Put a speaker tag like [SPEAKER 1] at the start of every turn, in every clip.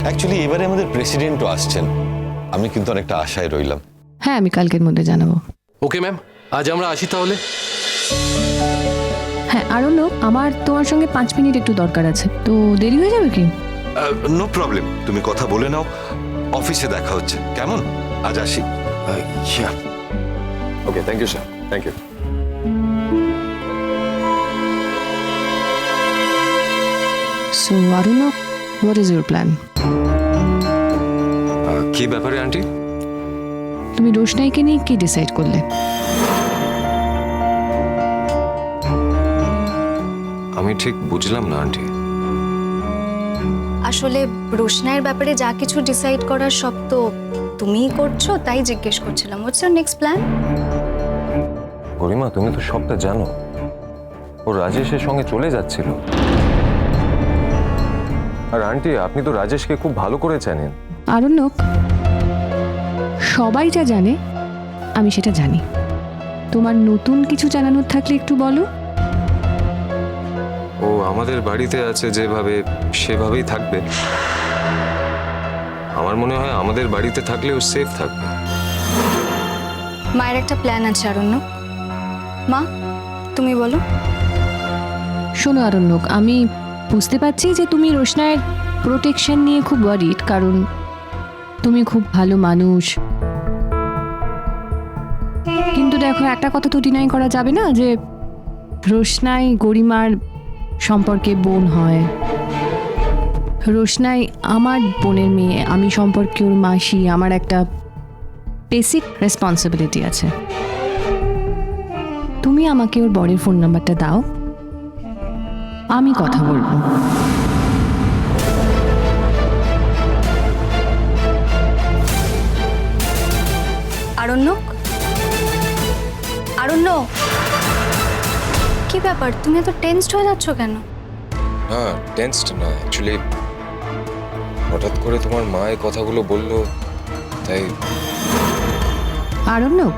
[SPEAKER 1] Actually এবারে আমাদের প্রেসিডেন্টও আসছেন, আমি কিন্তু অনেকটা আশায় রইলাম।
[SPEAKER 2] হ্যাঁ, আমি কালকের মধ্যে জানাবো।
[SPEAKER 3] ওকে ম্যাম, আজ আমরা আসি তাহলে।
[SPEAKER 2] হ্যাঁ, আরও লোক, আমার তোমার সঙ্গে 5 মিনিট একটু দরকার আছে, তো দেরি হয়ে যাবে কি?
[SPEAKER 1] নো প্রবলেম, তুমি কথা বলে নাও, অফিসে দেখা হচ্ছে, কেমন? আজ আসি।
[SPEAKER 4] Okay, thank you sir, thank you.
[SPEAKER 2] So আরুনক, হোয়াট ইজ ইউর প্ল্যান?
[SPEAKER 4] কি ব্যাপারে আন্টি?
[SPEAKER 2] তুমি রোশনাইকে নিয়ে কি ডিসাইড করলে?
[SPEAKER 4] আমি ঠিক বুঝলাম না আন্টি।
[SPEAKER 5] আসলে রোশনাইয়ের ব্যাপারে যা কিছু ডিসাইড করার সব তো তুমিই করছো, তাই জিজ্ঞেস করছিলাম what's your next plan.
[SPEAKER 4] Garima, তুমি তো সবটা জানো। ও রাজেশের সঙ্গে চলে যাচ্ছিল। আর আন্টি, আপনি তো রাজেশকে খুব ভালো করে জানেন।
[SPEAKER 2] আরুনক, সবাই যা জানে আমি সেটা জানি। তোমার নতুন কিছু জানানোর থাকলে একটু বলো।
[SPEAKER 4] ও আমাদের বাড়িতে আছে যেভাবে, সেভাবেই থাকবে। আমার মনে হয় আমাদের বাড়িতে থাকলে ও সেফ থাকবে।
[SPEAKER 5] মায়ের একটা প্ল্যান আছে আরণ্যক। মা, তুমি বলো।
[SPEAKER 2] শোনো আরণ্যক, আমি বুঝতে পারছি যে তুমি রোশনাইয়ের প্রোটেকশন নিয়ে খুব ওয়ারিড, কারণ তুমি খুব ভালো মানুষ। কিন্তু দেখো, একটা কথা তো ডিনাই করা যাবে না যে রোশনাই গরিমার সম্পর্কে বোন হয়। রোশনাই আমার বোনের মেয়ে, আমি সম্পর্কে ওর মাসি। আমার একটা বেসিক রেসপন্সিবিলিটি আছে। তুমি আমাকে ওর বরের ফোন নাম্বারটা দাও, আমি কথা বলবো।
[SPEAKER 5] আরণ্যক, আরণ্যক, কি ব্যাপার, তুমি এত টেনসড হয়ে যাচ্ছ কেন?
[SPEAKER 4] না, টেন্সড না, অ্যাকচুয়ালি হঠাৎ করে তোমার মা এই কথাগুলো বললো, তাই।
[SPEAKER 2] আরণ্যক,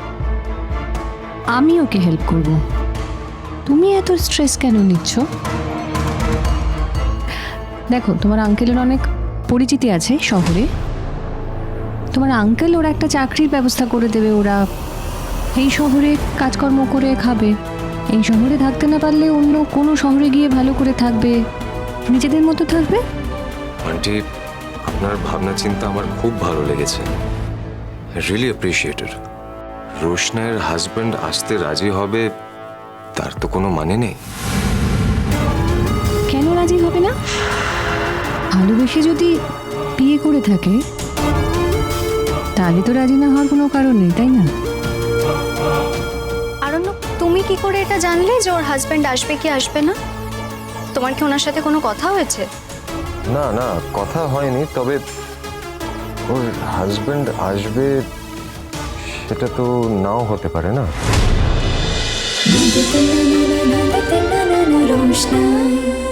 [SPEAKER 2] আমি ওকে হেল্প করব, তুমি এত স্ট্রেস কেন নিচ্ছ? দেখো, তোমার আঙ্কেলের অনেক পরিচিতি আছে শহরে। তোমার আঙ্কেল ওরা একটা চাকরির ব্যবস্থা করে দেবে। ওরা এই শহরে কাজকর্ম করে খাবে। এই শহরে থাকতে না পারলে অন্য কোনো শহরে গিয়ে ভালো করে থাকবে, নিজেদের মতো থাকবে।
[SPEAKER 4] আন্টি, আপনার ভাবনা চিন্তা আমার খুব ভালো লেগেছে। Really appreciated. রোশনাইয়ের হাজব্যান্ড আসতে রাজি হবে, তার তো কোনো মানে নেই।
[SPEAKER 2] কেন রাজি হবে না? ভালোবেসে যদি বিয়ে করে থাকে তাহলে তো রাজি না হওয়ার কোনো কারণ নেই, তাই না?
[SPEAKER 5] আরণ্যক, তুমি কি করে এটা জানলে যে ওর হাজবেন্ড আসবে কি আসবে না? তোমার কি ওনার সাথে কোনো কথা হয়েছে?
[SPEAKER 4] না না, কথা হয়নি, তবে ওর হাজব্যান্ড আসবে সেটা তো নাও হতে পারে না।
[SPEAKER 6] रोशनाई।